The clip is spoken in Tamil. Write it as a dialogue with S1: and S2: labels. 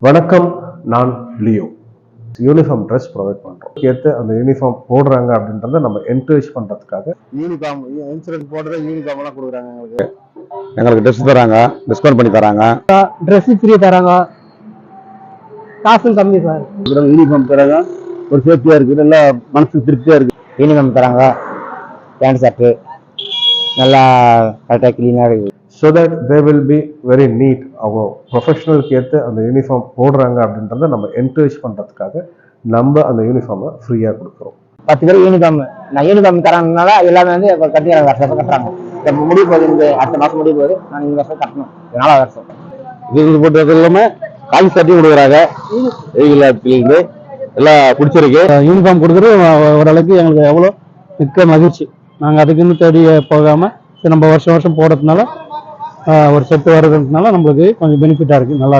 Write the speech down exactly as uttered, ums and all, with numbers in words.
S1: வணக்கம், நான் லியோ. யூனிஃபார்ம் ட்ரெஸ் ப்ரொவைட் பண்றோம். ஏற்று அந்த யூனிஃபார்ம் போடுறாங்க அப்படின்றத நம்ம என்கரேஜ் பண்றதுக்காக
S2: யூனிஃபார்ம் இன்சூரன்ஸ் போடுற யூனிஃபார்ம் எல்லாம் கொடுக்குறாங்க. எங்களுக்கு எங்களுக்கு ட்ரெஸ் தராங்க, டிஸ்கவுண்ட் பண்ணி தராங்க,
S3: ட்ரெஸ் ஃப்ரீ தராங்க, காசும் கம்மி சார்.
S2: யூனிஃபார்ம் தராங்க, ஒரு சேஃப்டியா இருக்கு, நல்லா மனசுக்கு திருப்தியா இருக்கு. யூனிஃபார்ம் தராங்க, பேண்ட் ஷர்ட்டு நல்லா கரெக்டாக கிளீனாக இருக்கு.
S1: So that they will be very neat. அவங்க ப்ரொஃபஷனலுக்கு ஏற்று அந்த யூனிஃபார்ம் போடுறாங்க அப்படின்றத நம்ம என்கரேஜ் பண்ணுறதுக்காக நம்ம அந்த யூனிஃபார்மை ஃப்ரீயாக கொடுக்குறோம்.
S3: பத்து பேர் யூனிஃபார்ம் நான் யூனிஃபார்ம் தராங்கனால எல்லாமே வந்து இப்போ கட்டி வருஷம் கட்டுறாங்க. இப்போ முடிய போகுது, இந்த அடுத்த மாதம் முடிய போகுது, நான் இந்த வருஷம் கட்டணும், நாலாவது வருஷம்.
S2: இது போட்டது இல்லாமல் காலேஜ் சர்ட்டியும் கொடுக்குறாங்க. இருந்து எல்லாம் பிடிச்சிருக்கு.
S4: யூனிஃபார்ம் கொடுக்குறது ஓரளவுக்கு எங்களுக்கு எவ்வளோ மிக்க மகிழ்ச்சி. நாங்கள் அதுக்குன்னு தேடி போகாமல் நம்ம வருஷம் வருஷம் போடுறதுனால ஒரு செட்டு வர்றதுனால நம்மளுக்கு கொஞ்சம் பெனிஃபிட்டாக இருக்குது. நல்லா